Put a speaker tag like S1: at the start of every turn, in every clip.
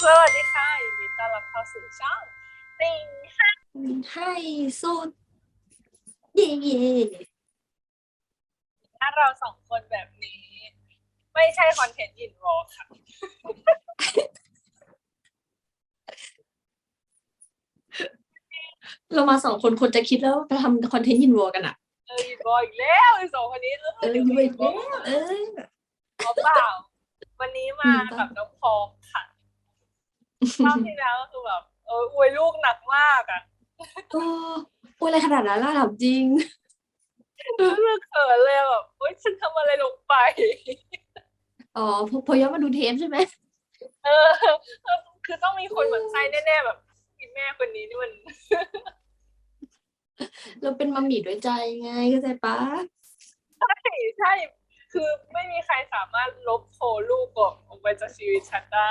S1: สวัสดีค่ะยินดีต้อนรับเข้าสู่ช่องติง
S2: ให้สุดเย่เย่
S1: ถ้าเราสองคนแบบนี้ ไม่ใช่คอนเทนต์ยินวอลค่ะ
S2: เรามาสองคนคนจะคิดแล้วจะทำคอนเทนต์ยินวัวกันอ่ะ
S1: ยินวอลอีกแล้วไอ้สองคนนี้
S2: ยินวัวอีกแล้ว
S1: เปล่าวันนี้มาแบบน้องพองค่ะรอบที่แล้วก็คือแบบอวยลูกหนักมากอ่ะ
S2: โอ้ยอะไรขนาดนั้นล่ะถามจริง
S1: รู้สึกเขินเลยแบบโอ๊ยฉันทำอะไรลงไป
S2: อ๋อพอย้อนมาดูเทปใช่ไหม
S1: เออคือต้องมีคนหมั่นไส้แน่ๆแบบพี่แม่คนนี้นี่มัน
S2: เราเป็นมัมมี่ด้วยใจไงเข้าใจปะ
S1: ใช่ คือไม่มีใครสามารถลบโทรลูกออกไปจากชีวิตฉันได้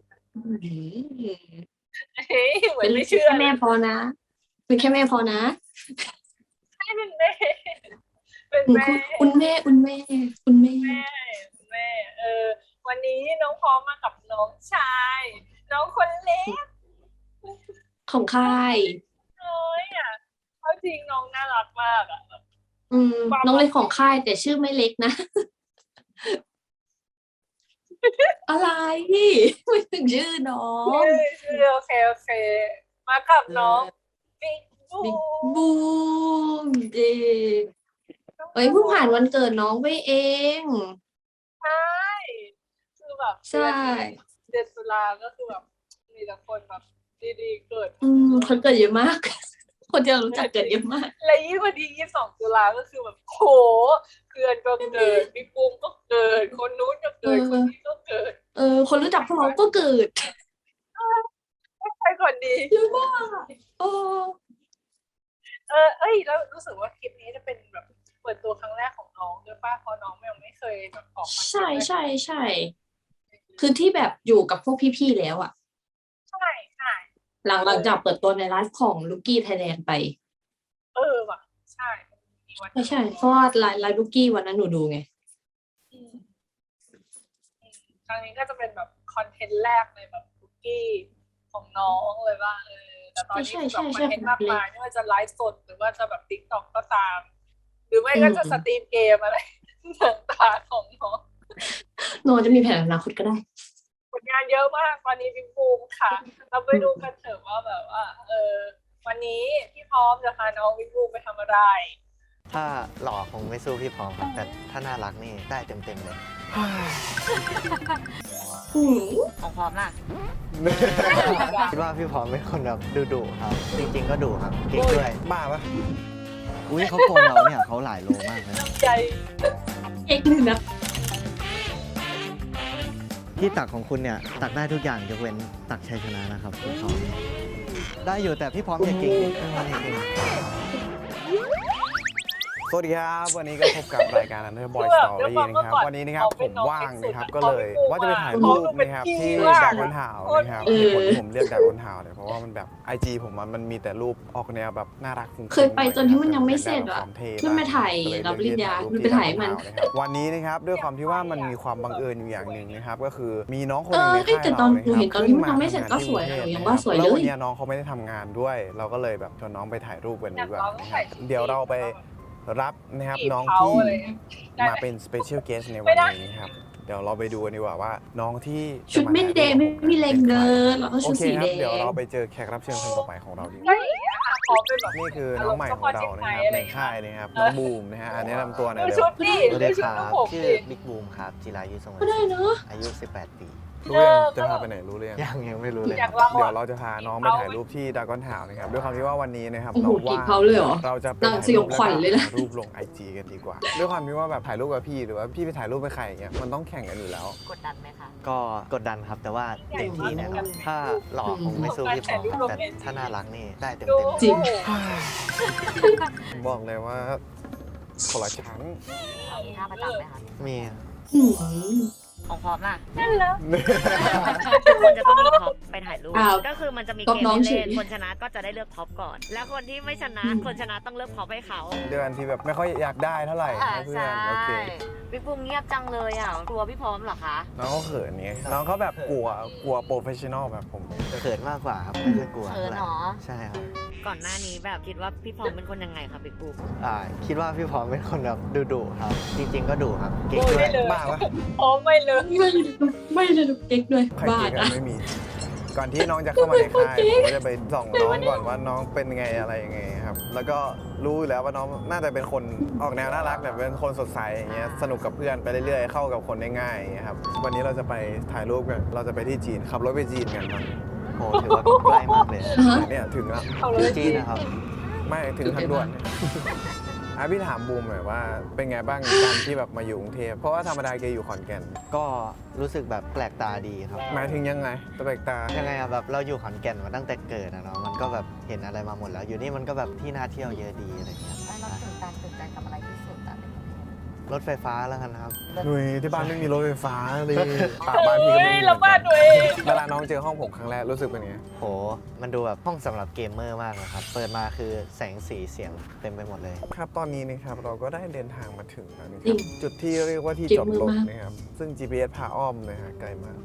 S1: เฮ้ยเหมือนไม่เชื่อ
S2: แค่แม่พอนะเป็นแค่แม่พอนะ
S1: ใช่เป็นแม่เป็นแม่
S2: คุณแม่คุณแม่คุณแม่
S1: แม่ วันนี้น้องพร้อมมากับน้องชาย น้องคนเล็ก
S2: ของค่าย
S1: น้อยอ่ะเขาจริงน้องน่ารักมากอ่ะ
S2: น้องเล็กของค่ายแต่ชื่อไม่เล็กนะ อะไรไม่ถึงชื่อน้อง
S1: โอเคมากับน้องบิ๊ก
S2: บูมเจเอ้ยเพิ่งผ่านวันเกิดน้องไปเอง
S1: ใช่คือแบบ
S2: ใช่
S1: เดือนตุลาก็คือแบบมีแต่คนแบบดีๆเกิด
S2: คนเกิดเยอะมาก คนที่เรารู้จักเกิดเยอะมาก
S1: และยิ่งวันที่22 ตุลาก็คือแบบโหเพื่อนก็เกิดพี่ปุ้มก็เกิดคนนู้นก็เกิดคนนี้ก็เกิด
S2: คนรู้จักพวกเราก็เกิด
S1: ใครก่อนดี
S2: เยอะมาก
S1: แล้วรู้สึกว่าคลิปนี้จะเป็นแบบเปิดตัวครั้งแรกของน้องด้วยป่ะเพราะน้องยังไม่เคยแบบออกมา
S2: ใช่คือที่แบบอยู่กับพวกพี่ๆแล้วอ่ะ
S1: ใช่
S2: หลังจากเปิดตัวในไลฟ์ของลูกี้ไทยแลนด์ไป
S1: ว่ะใช่
S2: ใช่เพราะว่าไลฟ์ลูกี้วันนั้นหนูดูไง
S1: ครั้งนี้ก็จะเป็นแบบคอนเทนต์แรกในแบบคุกกี้ของน้องเลยว่าแต่ตอนนี้แบบคอนเทนต์มากมายไม่ว่าจะไลฟ์สดหรือว่าจะแบบติ๊กต็อกก็ตาม หรือไม่ก็จะสตรีมเกมอะไรต่างๆของน้อง
S2: น้องจะมีแผนอนาคตก็ได้
S1: ผลงานเยอะมากตอนนี้บิ๊กบูมค่ะเราไปดูกันเถอะว่าแบบว่าวันนี้พี่พร้อมจะพาน้องบิ๊กบูมไปทำอะไร
S3: ถ้าหล่อคงไม่สู้พี่พร้อมครับแต่ถ้าน่ารักนี่ได้เต็มเลย
S4: ของพร้อมล่ะ
S3: คิดว่าพี่พร้อมเป็นคนแบบดุครับ จริงๆก็ดุครับเก่งด้วยบ้าปะอุ้ยเขาโกงเราเนี่ยเขาหลายโลมากเลย
S1: ใจ
S2: เอกหนึ่งนะ
S3: ที่ตักของคุณเนี่ยตักได้ทุกอย่างยกเว้นตักชัยชนะนะครับพี่พร้อมได้อยู่แต่พี่พร้อมอย่าเก่งพี่พร้อมอย่าเก่ง
S5: สวัสดีครับวันนี้ก็พบกับรายการ Underboy Story นะครับวันนี้นะครับผมว่างนะครับก็เลยว่าจะไปถ่ายรูปนะครับที่ดากอนทาวนะครับเหตุผลที่ผมเลือกดากอนทาวเนี่ยเพราะว่ามันแบบ IG ผมมันมีแต่รูปออกแนวแบบน่ารักฟุ้ง
S2: เคยไปจนที่มันยังไม่เสร็จอ่ะขึ้นไปถ่ายรับปริญญาขึ้นไปถ่ายมัน
S5: วันนี้นะครับด้วยความที่ว่ามันมีความบังเอิญอยู่อย่างหนึ่งนะครับก็คือมีน้องคนนึงในค่าย
S2: เรา
S5: เรา
S2: เห็นตอนที่มันยังไม่เสร็จก็สวยอย่างว่าสวยเลย
S5: แล้ววันนี้น้องเขาไม่ได้ทำงานด้วยเราก็เลยแบบชวนน้องไปถ่ายรูปกันดีกว่าเดี๋ยวเราไปรับนะครับน้องที่มาเป็น Special Guest ในวันนี้ครับเดี๋ยวเราไปดูกันดีกว่าว่าน้องที่
S2: ชุดไม่แดงไม่มีแรงเดินเราก็ชุดสีแดง
S5: เดี๋ยวเราไปเจอแขกรับเชิญคนต่อไปของเราดีกว่านี่คือน้องใหม่ของเรานะครับในค่ายนะครับน้องบูมนะฮะอันนี้นำตัวหน่อยเดี๋ยว
S3: สวัสดีครับชื่อบิ๊กบูมครับจิรายุทรง
S2: ก็ได้เนาะ
S3: อายุ18 ปี
S5: รู้ยังจะพาไปไหนรู้เลย
S3: ยังไม่รู้เลย
S5: เดี๋ยวเราจะพาน้องไปถ่ายรูปที่ดากอนทาวนะครับด้วยความที่ว่าวันนี้นะครับน้องว่าเราจะไปถ่ายรูปลง IG กันดีกว่าด้วยความที่ว่าแบบถ่ายรูปกับพี่หรือว่าพี่ไปถ่ายรูปไปใครอย่างเงี้ยมันต้องแข่งกันอยู่แล้ว
S4: กดดันไหมคะ
S3: ก็กดดันครับแต่ว่าเต็มที่นะครับถ้าหล่อคงไม่สู้พี่พร้อมแต่ถ้าน่ารักนี่ได้เต็ม
S2: จริง
S5: บอกเลยว่าคนละชั้น
S4: มีท่าประจำไหมคะ
S3: มี
S4: ของพร้อมล่ะ
S1: นั่นแล้ว
S4: ทุกคนจะต้องมีพร้อมไปถ่ายถ่ายรูป
S2: อ้าว
S4: ก็คือมันจะมี
S2: ก๊อ
S4: เก
S2: ป
S4: ม
S2: น้อง
S4: ให้
S2: เฉ
S4: เล่
S2: ย
S4: นคนชนะก็จะได้เลือกท็อปก่อน แล้วคนที่ไม่ชนะคนชนะต้องเลือกท็อปให้เขา
S5: เดือนที่แบบไม่ค่อยอยากได้เท่าไหร่ให้เพื่อนโอเค
S4: พี่ปุ้มเงียบจังเลยอ่ะกลัวพี่พร้อมเหรอคะ
S5: น้องเขาเขินไงน้องเขาแบบกลัวโปรเฟชชั่นอลแบบผม
S3: เขินมากกว่าครับไม่ค่อยกลัว
S4: เขินเหรอ
S3: ใช่ครับ
S4: ก่อนหน้านี้แบบคิดว่าพี่พร้อมเป็นคนยังไงคะพี่ปุ้ม
S3: คิดว่าพี่พร้อมเป็นคนแบบดุครับ จริง ๆ ก็ดุครับเก่ง
S1: โอ้ย
S3: ด้วย
S1: ได้เลย
S5: บ้าปะ
S1: โอ้ไม่เลย
S2: ไม่เลยเก๊กด้วย
S5: ใคร
S2: บ้า
S5: เก่งกั
S2: นะ
S5: นไม่มี ก่อนที่น้องจะเข้ามาในค่ายผมก็จะไปส่องน้องก่อนว่าน้องเป็นไงอะไรยังไงครับ แล้วก็รู้อยู่แล้วว่าน้องน่าจะเป็นคนออกแนวน่ารักแบบเป็นคนสดใสอย่างเงี้ยสนุกกับเพื่อนไปเรื่อยๆเข้ากับคนได้ง่ายอย่างเงี้ยครับวันนี้เราจะไปถ่ายรูปกันเราจะไปที่จีนขับรถไปจีนกันครับ
S3: โหถือว่าใกล้มากเลย
S5: เนี่ยถึงแล้ว
S1: เอาเลย
S3: จีนนะครับ
S5: ไม่ถึงทางด่วนพี่ถามบูมหน่อยว่าเป็นไงบ้างการที่แบบมาอยู่กรุงเทพเพราะว่าธรรมดาแกอยู่ขอนแก่น
S3: ก็รู้สึกแบบแปลกตาดีครับ
S5: หมายถึงยังไงตะเบกตา
S3: ยังไงอะแบบเราอยู่ขอนแก่นมาตั้งแต่เกิดอะเนาะมันก็แบบเห็นอะไรมาหมดแล้ว อยู่นี่มันก็แบบที่น่าเที่ยวเยอะดีอะไรเงี้ย
S4: เราตื่นใจกับอะไรที่สุดอ่ะ
S3: รถไฟฟ้าแล้วกันครับ
S5: หนุ่ยที่บ้านไม่มีรถไฟฟ้าเลยป่าบ้านพี่ก็ไม่
S1: เฮ้ย
S5: มี
S1: เราบ้านตัวเอง
S5: เวลาน้องเจอห้องผมครั้งแรกรู้สึกเป็นไง
S3: โห มันดูแบบห้องสำหรับเกมเมอร์มากนะครับ เปิดมาคือแสงสีเสียงเต็มไปหมดเลย
S5: ครับตอนนี้นะครับเราก็ได้เดินทางมาถึงแล้วนะค
S2: จริ
S5: รับ
S2: ง
S5: จุดที่เรียกว่าที่
S2: เจ็บ
S5: จอด
S2: มือ
S5: รถ
S2: มาก
S5: นะครับซึ่ง GPS พาอ้อมเลยฮะไกลมาก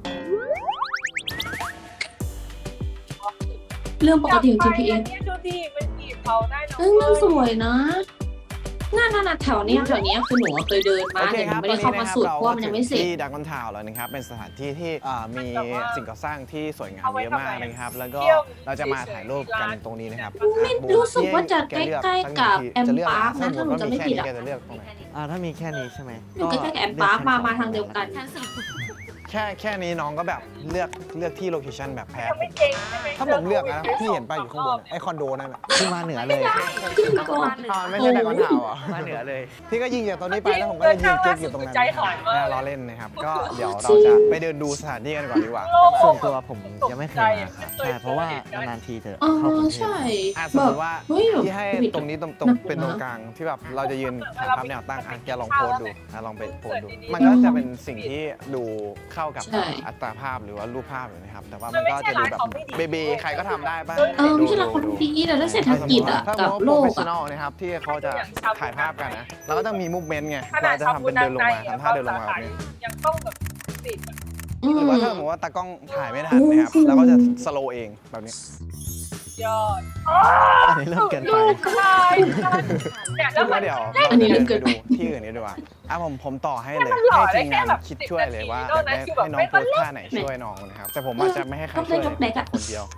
S2: เรื่องปกติของ GPS
S1: เนี่ยดูดิมันบีบเขาได้เนาะ
S2: มันสวยนะน่าแถวเนี้ยคือหนูเคยเดินมาแต่หนูไม่ได้เข้ามาสุดเพราะว่ามันยังไม่เสร็จ
S5: ที่ดักคอนทาวน์แล้วนะครับเป็นสถานที่ที่มีสิ่งก่อสร้างที่สวยงามเยอะมากนะครับแล้วก็เราจะมาถ่ายรูปกันตรงนี้นะครับ
S2: ไม่รู้สึกว่าจะใกล้ๆกับแอมปาร์คนะถ้าหนูจะไม่ผิดอะ
S5: แกจะเลือกตรงไหน
S3: ถ้ามีแค่นี้ใช่ไหม
S2: อยู่ใกล้ๆกับแอมปาร์คมาทางเดียวกัน
S5: แค่นี้น้องก็แบบเลือกที่โลเคชั่นแบบแพ้
S1: ยังไม่เก่งใช่ไหม
S5: ถ้าผมเลือกนะพี่เห็นป้ายอยู่ข้างบนไอคอนโดนั่นแหละ
S3: ขึ้นมาเหนือเลย
S5: ไม่ใช่ดักคอนทาวน์เหรอ
S3: มาเหนือเลย
S5: พี่ก็ยิงจากตรงนี้ไปแล้วผมก็จะยิงเก๊กอยู่ตรงนั้น
S1: ใจหายมาก
S5: ล้อเล่นนะครับ ก็เดี๋ยวเราจะไปเดินดูสถานที่กันก่อนดีกว่า
S3: ส่วนตัวผมยังไม่เคยมาครับ ใช่ เพราะว่านานๆทีจะ
S2: อ๋อ
S3: เข้ากรุงเทพ
S2: ใช่
S5: สม
S2: แบ
S5: ม
S2: บ
S5: ติว่า
S2: เฮ้ย
S5: ที่ให้
S2: ผิด
S5: ตรงนี้ตรง
S2: น่ากลัว
S5: เป็นตรง
S2: นะ
S5: กลางที่แบบเราจะยืนถ่ายภาพแนวตั้งแกลองโพสดูลองไปโพสดู มันก็จะเป็นสิ่งที่ดูเข้ากับ
S2: ใช่
S5: อัตราภาพหรือว่ารูปภาพอยู่นะครับ แต่ว่ามันก็จะดูแบบเบเบใครก็ทำได้ป่ะ
S2: ไม่ใช่ละคนดีแต่ถ้าเศรษฐกิจอะ
S5: ถ้า
S2: กับ
S5: โป
S2: โล
S5: รเฟ
S2: ก
S5: ชชั่น
S2: อะ
S5: อลนะครับที่เขาจะถ่ายภาพกันนะเราก็ต้องมีมูฟเมนต์ไงเราจะทำเป็นเดินลงมาทำท่าเดินลงมาแบบนี้
S1: ยังต้องแบบติด
S2: อื
S5: หรือ
S2: ม
S5: ว่าถ้าสมมติว่าตากล้องถ่ายไม่ทันนะครับเราก็จะสโลว์เองแบบนี้
S1: ยอด
S3: อันนี้เริ่มเกินไป
S1: ใช่เนี่ยแล้วมั
S5: ก็
S1: น
S5: เดี๋ยว
S2: อั
S5: เรา
S2: นนี้
S5: จะเดิน
S2: เกิ
S5: ไป
S2: น
S5: ดู
S2: ไป
S5: ที่อื่นนี้ดีกว่าผมต่อให้เลย
S1: มันหล่อ
S5: ให้ทีมงาน
S1: ได้แค่แบบ
S5: คิดช่วยเลยว่า
S1: 10
S5: อยากได้
S1: นาทีแบบ
S5: ให้น้อง
S1: ไม่
S5: โพ
S1: ต้อง
S5: ส
S1: เล่น
S5: ท่าไหนช่วยน้องนะครับ แต่ผมอาจจะไม่ให้ใครช่วย
S2: ยกเล็กอะ
S5: คนเดียว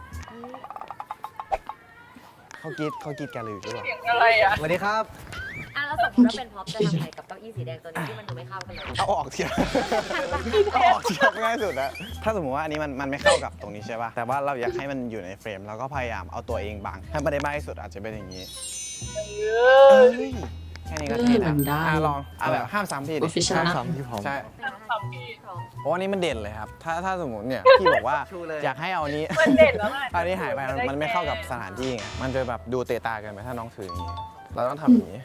S5: เขากรีดกันเลยหรือเปล่า
S1: เสียงอะไรอ่ะ
S3: สวัสดีครับ
S4: แล้วสมมติว่าเป็นพ็อปจะทำไงกับเก้าอี้สีแดงตัวนี้ที่มันดูไม่เข้ากันเลย
S5: เอาออกเทียบเอาออกเทียบง่ายสุดแล้วถ้าสมมติว่าอันนี้มันไม่เข้ากับตรงนี้ใช่ป่ะแต่ว่าเราอยากให้มันอยู่ในเฟรมเราก็พยายามเอาตัวเองบังให้มันได้มากที่สุดอาจจะเป็นอย่างนี้ แค่นี้ก็เท่
S2: มันได้
S5: ลองแบบห้ามซ้ำพี่ดิ
S2: Professional
S3: ห้ามซ้ำพี่พร้อม
S5: ใช่
S1: ซ้ำพี่
S5: เพราะว่านี้มันเด่นเลยครับ ถ้าสมมติเนี่ย พี่บอกว่า
S3: ชูเลย
S5: อยากให้เอานี้
S1: มันเด่นแล้วไง
S5: อันนี้หายไปมันไม่เข้ากับสถานที่ไง มันจะแบบดูเตะตากันไปถ้าน้องถืออย่างนี้ เราต้องทำอย่างนี้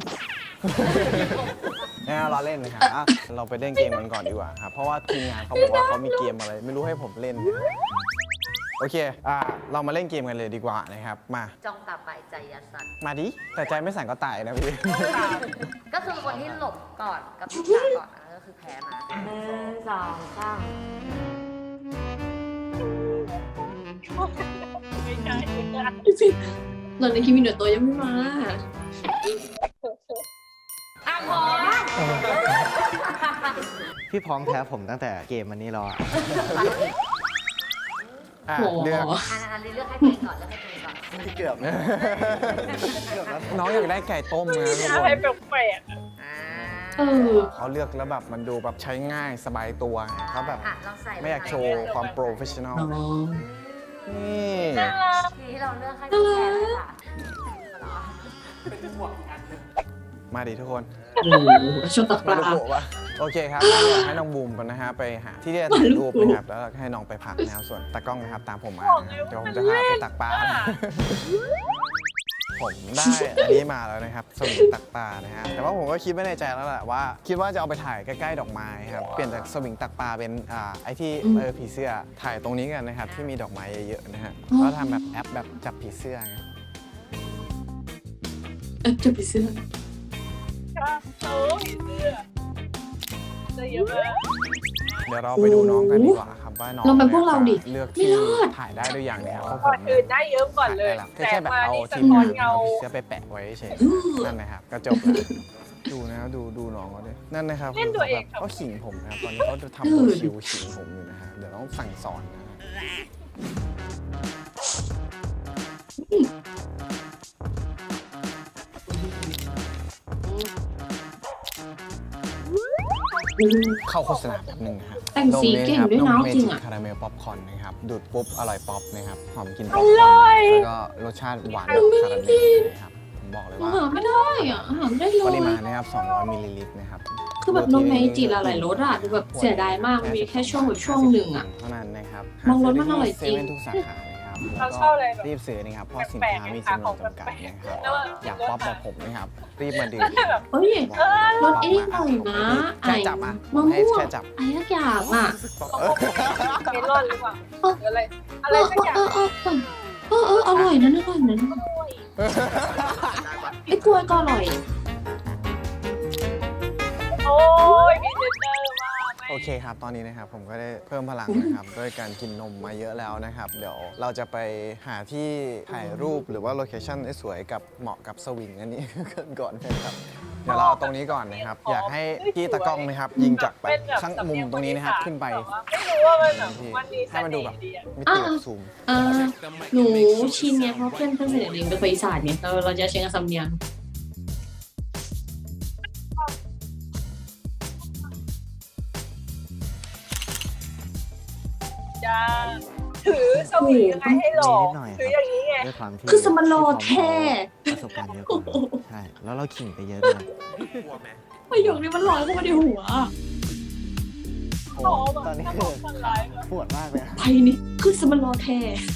S5: เราเล่นนะครับเราไปเล่นเกมกันก่อนดีกว่าครับ เพราะว่าทีมงานเขาบอกว่าเขามีเกมอะไร ไม่รู้ให้ผมเล่น โอเค เรามาเล่นเกมกันเลยดีกว่านะครับ มา
S4: จ้องตาไปใจยาสั่น
S5: มาดิ แต่ใจไม่สั่นก็ตายนะพี่
S4: ก็คือคนที่หลบก่อนกับที่ตาก่อนอันนั้นก็คือแพ้มา1 2 3
S1: ไม่ใช่
S2: ตอนนี้คิมิโนโตะยังไม่มา
S4: พร้อม
S3: พี่พร้อมแพ้ผมตั้งแต่เกมอันนี้รออะ
S2: โห
S5: เลือก
S4: อันนี้เลือกให้ตัวเองก่อนเลือกให้ตัวเองก่อน
S3: เกือบนะ
S5: น้องอยากได้ไก่ต้มนะทุกค
S1: อะไร
S5: น
S1: แปลก
S2: เออ
S5: เขาเลือกแล้วแบบมันดูแบบใช้ง่ายสบายตัวเขาแบบ
S4: ลองใส่
S5: ไม่อยากโชว์ความโปรเฟชชั่นอล
S2: น้อง
S5: นี่
S1: ๆน่ารัก
S4: ที่เราเลือกให้ตัวแพ้เลยค่ะ
S5: มาดิทุกคน
S2: โอ้โหชอบตะก
S5: มา
S2: ร้า
S5: ดูโกะวะโอเคครับงั้นเดี๋ยวให้น้องบูมกันนะฮะไปหาที่จะถ่ายรูปนะครับแล้วให้น้องไปพักนะครับส่วนตากล้องนะครับตามผมมานะครับเดี๋ยวผมจะพาไปตักปลาพผมได้อันนี้มาแล้วนะครับสวิงตักปลานะฮะแต่ว่าผมก็คิดไว้ในใจแล้วแหละว่าคิดว่าจะเอาไปถ่ายใกล้ๆดอกไม้ครับเปลี่ยนจากสวิงตักปลาเป็นไอที่ผีเสื้อถ่ายตรงนี้กันนะครับที่มีดอกไม้เยอะๆนะฮะแล้วทำแบบแอปแบบจับผีเสื้อไง
S2: จะไปซื้อ
S1: ค่ะโอ้ยเสื้อเยอะมาก
S5: เดี๋ยวเราไปดูน้องกันดีกว่าครับว่าน้อง
S2: ลองเป็นพวกเราดิ
S5: เลือก
S2: ไม่
S5: ที่
S2: รอด
S5: ถ่ายได้ด้วยอย่างเนี้ยเพราะผ
S1: ก่อ
S5: ม
S1: นอื่นได้เยิ้มก่อนเลย
S5: แค่แบบเอา
S1: สะ
S5: ที่
S1: ท้อน
S5: เงา
S1: เงา
S5: เสื้อไปแปะไว้เฉยนั่นนะครับก็จบแล้วดูนะครับดูน้องเขาด้วยนั่นนะครับ
S1: เล่นตัวเอง
S5: เขาขิงผมนะครับตอนนี้เขาจะทำตัวคิวขิงผมอยู่นะฮะเดี๋ยวต้องสั่งสอนนะฮะ เข้าโฆษณาแบบหนึ่งนะครับ
S2: แต่งสีเก่งด้วยนะจริงอ่ะ
S5: คาราเมลป๊อปคอร์นนะครับดูดปุ๊บอร่อยป๊อปนะครับหอมกลินป๊
S1: อ
S5: อปคอ
S1: ร่อ
S5: ร์
S1: ย
S5: นแล้วก็รสชาติหวานแบบคาราเมลนะครับผมบอกเลยว่า
S2: หาไม่ได้อ่ะหาไม่ได้เล
S5: ปริ
S2: ย
S5: มาณนะครับ200มิลลิลิตรนะครับ
S2: คือแบบนมเมจิหลายรสอ่ะดูแบบเสียดายมากมันมีแค่ช่วงแบบช่วงหนึ่งอ่ะ
S5: เท่านั้นนะครับ
S2: บางรสมันอร่อยจริง
S5: เซเว่นทุกสาขานะครับ
S1: เราชอบอะไรแบบ
S5: รีบซื้อนะครับเพราะสินค้ามีจำนวนจำกัดนะครับ
S1: แล้ว
S5: อยากป๊อปแบบผมนะครับรีบมาดื่ม
S1: แบบ
S2: เฮ้ยรสไอ้นี่หน่อยนะไอ้
S5: แค่จับอ่ะ
S2: มะ
S5: ให้
S2: ม่วง
S5: แค่จับ
S2: ไอ้ทุกอย่างอ่ะ
S1: เมลอนหรือเปล่าหรืออะไรอะไรสักอย่าง
S2: อร่อยนะอร่อยนะไอ้กล้วยก็อร่อย
S1: โอ้ยมีเจนเนอร์มาก
S5: โอเคครับตอนนี้นะครับผมก็ได้เพิ่มพลังนะครับด้วยการกินนมมาเยอะแล้วนะครับเดี๋ยวเราจะไปหาที่ถ่ายรูปหรือว่าโลเคชั่นสวยกับเหมาะกับสวิงอันนี้ ก่อนนะครับเดี๋ยวเราเอาตรงนี้ก่อนนะครับอยากให้พี่ตากล้องนะครับยิงจากแบบข้างมุมตรงนี้นะครับขึ้นไป
S1: ไม่รู้ว่ามันแบบมันมีเส
S5: ให้มันดู
S1: น่
S5: แบบ
S1: ห์ดีอะ
S5: ไม่ติดซูม
S2: หนูชินไงเพราะเพื่อนสนิทเองเป็นคนอีสานเนี่ยเราจะใช้กับสำเนียง
S1: จ้าถือสวิงยังไงให้หลอก
S3: นิดหน่อย
S1: ถืออย่างนี้ไง
S3: ด้วยความที่
S2: คือสมันโลแท้
S3: ประสบการณ์เยอะกว่าใช่แล้วเราขิงไปเยอะด้วย
S2: ประโยคนี้มันลอยเข้ามาในหัว
S3: โอ้ตอนนี้คือปวดมากเลยอะ
S2: ไปนี่คือสมันโลแท้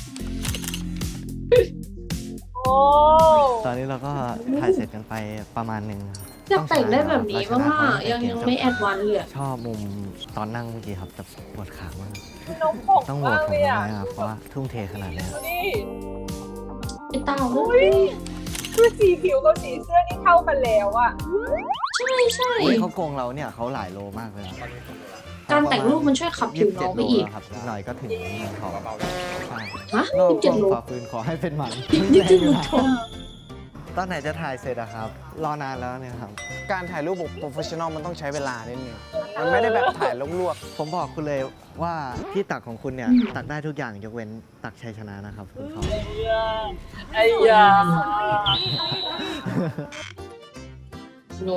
S1: โอ้
S3: ตอนนี้เราก็ถ่ายเสร็จกันไปประมาณหนึ่งครับ
S2: อยากแต่งได้แบบนี้บ้างอ่ะยังไม่แอดวานซ์เลยอะ
S3: ชอบมุมตอนนั่งเมื่อกี้ครับแต่ปวดขามาก
S1: นมผง
S3: ต้องโหว
S1: มา
S3: ต
S1: ก
S3: ผม
S1: เลย
S3: ได้
S1: อ่ะ
S3: ไหมครับเพราะว่าทุ่มเทขนาดนี้
S1: ดูดิ
S2: ไอ้เต่า
S1: อุ้ยคือสีผิวกับสีเสื้อนี่เข้ากันแล้วอ่ะ
S2: ใช่ใช่
S3: อุ๊ยเขาโกงเราเนี่ยเขาหลายโลมากเลยอะ
S2: การแต่งรูปมันช่วยขับผิวน้องไปอีก
S3: 27โลแล้วครับอีกหน่อยก็ถึงเมืองทองใช่
S2: ฮะ
S3: โลก
S2: 27โล
S3: ขอคืนขอให้เป็นหมัน
S2: 27โลทอง
S3: ตอนไหนจะถ่ายเสร็จอะครับ รอนานแล้วเนี่ยครับ
S5: การถ่ายรูปแบบโปรเฟชชั่นอลมันต้องใช้เวลานิดนึงมันไม่ได้แบบถ่ายลวก
S3: ผมบอกคุณเลยว่าที่ตักของคุณเนี่ย ตักได้ทุกอย่างยกเว้นตักชัยชนะนะครับคุณทอง
S1: ไอ้ยา
S2: โน้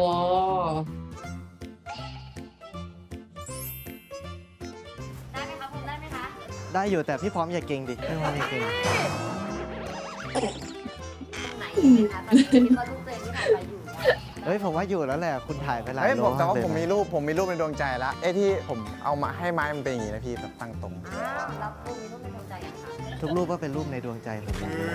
S4: ได้ไหมคะคุณได้ไหมคะ
S3: ได้อยู่แต่พี่พร้อมอย่าเก่งดิพี่พร้อมอย่าเก่ง
S4: ตรงไหนคะตอนนี้คิดว่ารูปตัวเองที่ถ่ายไปอยู่เนี่ย
S3: เฮ้ยผมว่าอยู่แล้วแหละคุณถ่ายไปห
S5: ๆ
S3: ลาย
S5: เฮ้ย
S3: โล
S5: ผมแต่ว่า
S3: เลย
S5: ผมมี
S3: นะ
S5: รูปในดวงใจแล้วไอ้ที่ผมเอามาให้ไม้มันเป็นอย่างนี้นะพี่แบบตั้งตรง
S4: อ้าวแล้วพวกนี้ต้องเป็นดวงใจกันค่ะ
S3: ทุกรูปก็เป็นรูปในดวงใจผมหมดเลย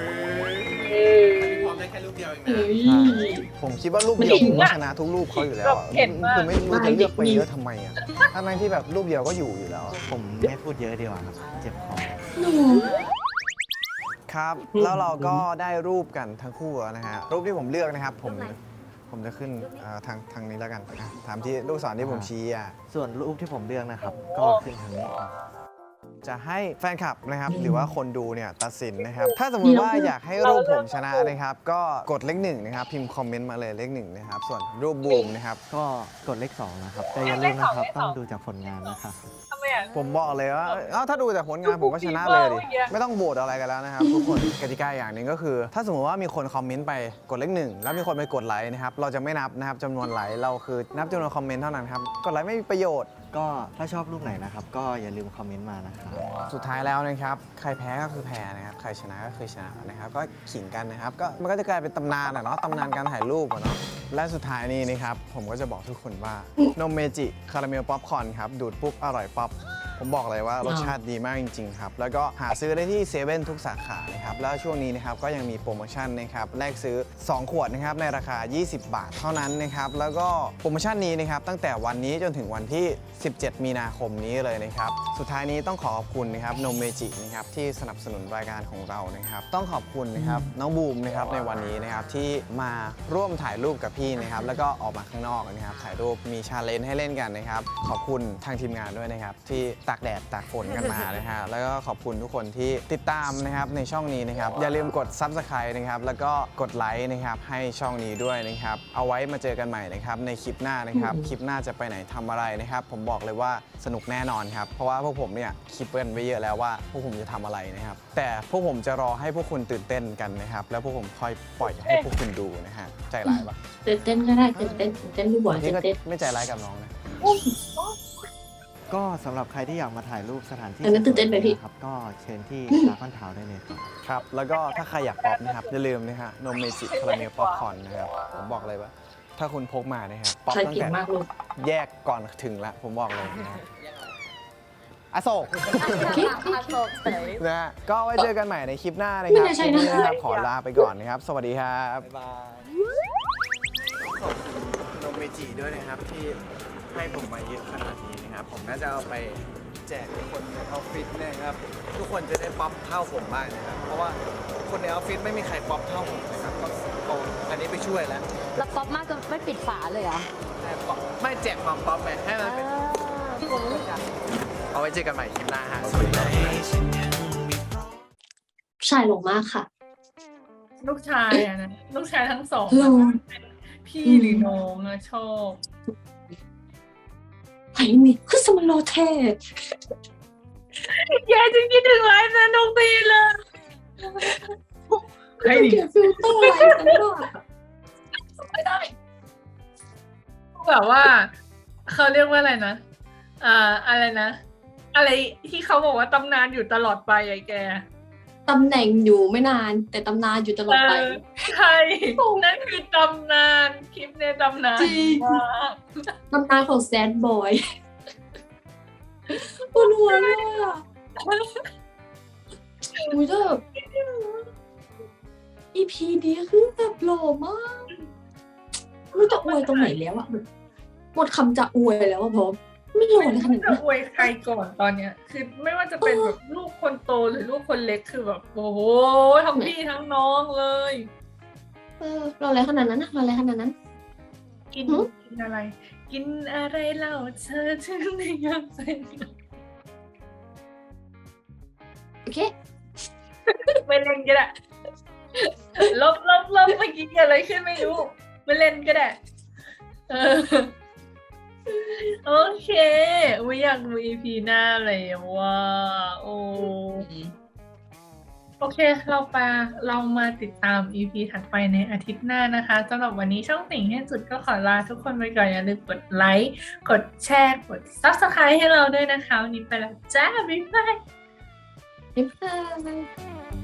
S2: เฮ้ย
S5: ผมคิดว่ารูปเดียวผมก็ชนะทุกรูปเขาอยู่แล้วอะคือไม่รู้จะเลือกไปเยอะทำไมอ่ะทั้งที่แบบรูปเดียวก็อยู่แล้วอะ
S3: ผมไม่พูดเยอะดีกว่าครับเจ็บคอ
S2: หนู
S5: ครับแล้วเราก็ได้รูปกันทั้งคู่แล้วนะฮะรูปที่ผมเลือกนะครับผมจะขึ้นทางนี้แล้วกันอ่ะถามที่ลูกศรที่ผมชี้อ่ะ
S3: ส่วนรูปที่ผมเลือกนะครับ ก็ขึ้นทางนี้ครับ
S5: จะให้แฟนคลับนะครับหรือว่าคนดูเนี่ยตัดสินนะครับถ้าสมมุติว่าอยากให้รูปผมชนะนะครับก็กดเลขหนึ่งนะครับพิมพ์คอมเมนต์มาเลยเลขหนึ่งนะครับส่วนรูปบูมนะครับ
S3: ก็กดเลข2นะครับแต่อย่าลืมนะครับต้องดูจากผลงานนะครับ
S1: ทำไมอ่ะ
S5: ผมบอกเลยว่าถ้าดูจากผลงานผมก็ชนะเลยดิไม่ต้องโหวตอะไรกันแล้วนะครับทุกคนกติกาอย่างหนึ่งก็คือ ถ้าสมมติว่ามีคนคอมเมนต์ไปกดเลขหนึ่งแล้วมีคนไปกดไลค์นะครับเราจะไม่นับนะครับจำนวนไลค์เราคือนับจำนวนคอมเมนต์เท่านั้นครับกดไลค์ไม่มีประโยชน์
S3: ก็ถ้าชอบรูปไหนนะครับ ก็อย่าลืมคอมเมนต์มานะครับ
S5: สุดท้ายแล้วนะครับใครแพ้ก็คือแพ้นะครับใครชนะก็คือชนะนะครับก็ขิงกันนะครับก็มันก็จะกลายเป็นตำนานอะเนาะตำนานการถ่ายรูปอะเนาะและสุดท้ายนี้นะครับผมก็จะบอกทุกคนว่านมเมจิคาราเมลป๊อปคอร์นครับดูดปุ๊บอร่อยป๊อปผมบอกเลยว่ารสชาติดีมากจริงๆครับแล้วก็หาซื้อได้ที่เซเว่นทุกสาขานะครับแล้วช่วงนี้นะครับก็ยังมีโปรโมชั่นนะครับแลกซื้อ2ขวดนะครับในราคา20 บาทเท่านั้นนะครับแล้วก็โปรโมชั่นนี้นะครับตั้งแต่วันนี้จนถึงวันที่17 มีนาคมนี้เลยนะครับสุดท้ายนี้ต้องขอบคุณนะครับนมเมจินะครับที่สนับสนุนรายการของเรานะครับต้องขอบคุณนะครับน้องบูมนะครับในวันนี้นะครับที่มาร่วมถ่ายรูปกับพี่นะครับแล้วก็ออกมาข้างนอกนะครับถ่ายรูปมีชาเลนจ์ให้เล่นกันนะครับขอบคุณทางทีมงานด้วยนะครับที่ตากแดดตากฝนกันมานะฮะแล้วก็ขอบคุณทุกคนที่ติดตามนะครับในช่องนี้นะครับอย่าลืมกด Subscribe นะครับแล้วก็กดไลค์นะครับให้ช่องนี้ด้วยนะครับเอาไว้มาเจอกันใหม่นะครับในคลิปหน้านะครับคลิปหน้าจะไปไหนทำอะไรนะครับผมบอกเลยว่าสนุกแน่นอนครับเพราะว่าพวกผมเนี่ยคิดกันไว้เยอะแล้วว่าพวกผมจะทำอะไรนะครับแต่พวกผมจะรอให้พวกคุณตื่นเต้นกันนะครับแล้วพวกผมค่อยปล่อยให้พวกคุณดูนะฮะใจร้ายปะ
S2: ตื่นเต้นก็ได้ตื่นเต้นดูบ่อย
S5: นี่
S2: ตื่
S5: ก็
S2: นเต้น
S5: ไม่ใจร้ายกับน้องนะ
S3: ก็สำหรับใครที่อยากมาถ่ายรูปสถานที่
S2: อันนั้นตื่นเต้นไหมพี่
S3: ครับก็เชิญที่ดราก้อนทาวน์ได้เลยครับ
S5: ครับแล้วก็ถ้าใครอยากป๊อปนะครับอย่าลืมนะฮะนมเมจิคาราเมลป๊อปคอร์นนะครับผมบอกเลยว่าถ้าคุณพกมานะครับป๊อป
S2: ใช่
S5: ตั้ง
S2: เก่ง
S5: แต่
S2: มากลูก
S5: แยกก่อนถึงละผมบอกเลยนะครับอโศก
S4: อาโศกเฉย
S5: นะฮะก็ไว้เจอกันใหม่ในคลิปหน้านะค
S2: ไม่
S5: รับ
S2: น่าใช่
S5: คลิป
S2: นะ
S5: นี้นะครับขอลาไปก่อนนะครับ สวัสดีครับ
S3: บ๊ายบาย
S5: ขอบคุณนมเมจิด้วยนะครับที่ให้ผมมาเยอะขนาดนี้นะครับผมน่าจะเอาไปแจกคนในออฟฟิศนะครับทุกคนจะได้ป๊อปเท่าผมบ้างนะครับเพราะว่าคนในออฟฟิศไม่มีใครป๊อปเท่าผมนะครับก็เอาอันนี้ไปช่วยแล้ว
S4: แล้วป๊อปมากจนไม่ปิดฝาเลยเหรอ
S5: แต่ป๊อปไม่แจกความป๊อปไงให้มันเป็นเอาไว้เจอกันใหม่คลิปหน้าฮะสวัสดีครับ
S2: ชายหลงมากค่ะ
S1: ลูกชายอะนะลูกชายทั้งสอง
S2: หลง
S1: พี่หรือน้องอะชอบ
S2: ไอ้นี่คือสมโลเทศ
S1: แย่จริงคิดถึงไลฟ์นะน้องตีเลยใครดิ
S2: เก็บฟิลเตอร์อะไรกันบ้าง
S1: ไม่ได้แบบว่าเขาเรียกว่าอะไรนะอะไรนะ อะไรที่เขาบอกว่าตำนานอยู่ตลอดไปไอ้แก
S2: ตำแหน่งอยู่ไม่นาน แต่ตำนานอยู่ตลอดไป
S1: ใช่นั่นคือตำนานคลิปในตำนาน
S2: จริง
S1: มาก
S2: ตำนานของแซดบอยปวดหัวเลยอ่ะอุ้ยแบบ EP นี้คือแบบหล่อมากไม่รู้จะอวยตรงไหนแล้วอะหมดคำจะอวยแล้วอะพร้อมไม่หล่อเลยขนาด
S1: จะ
S2: นี้
S1: อวยใครก่อนตอนเนี้ย คือไม่ว่าจะเป็นแบบลูกคนโตหรือลูกคนเล็กคือแบบโอ้โหทั้งพี่ทั้งน้องเลย
S2: หล่ออะไรขนาดนั้นอะหล่ออะไรขนาดนั้น
S1: กิน
S2: หือ
S1: กินอะไร กินอะไรเล่าเธอถึงได้ยอมใส่
S2: โอเค
S1: ไม่เล่นก็ได้ลบเมื่อกี้เกิดอะไรขึ้นไม่รู้ไม่เล่นก็ได้เออโอเคอุ้ยอยากดู EP หน้าเลยว่าโอ้โอเคเรามาติดตาม EP ถัดไปในอาทิตย์หน้านะคะสำหรับวันนี้ช่องติ่งให้สุดก็ขอลาทุกคนไปก่อนอย่าลืมกดไลค์กดแชร์กด Subscribe ให้เราด้วยนะคะวันนี้ไปแล้วจ้าบ๊ายบาย
S2: บ๊ายบาย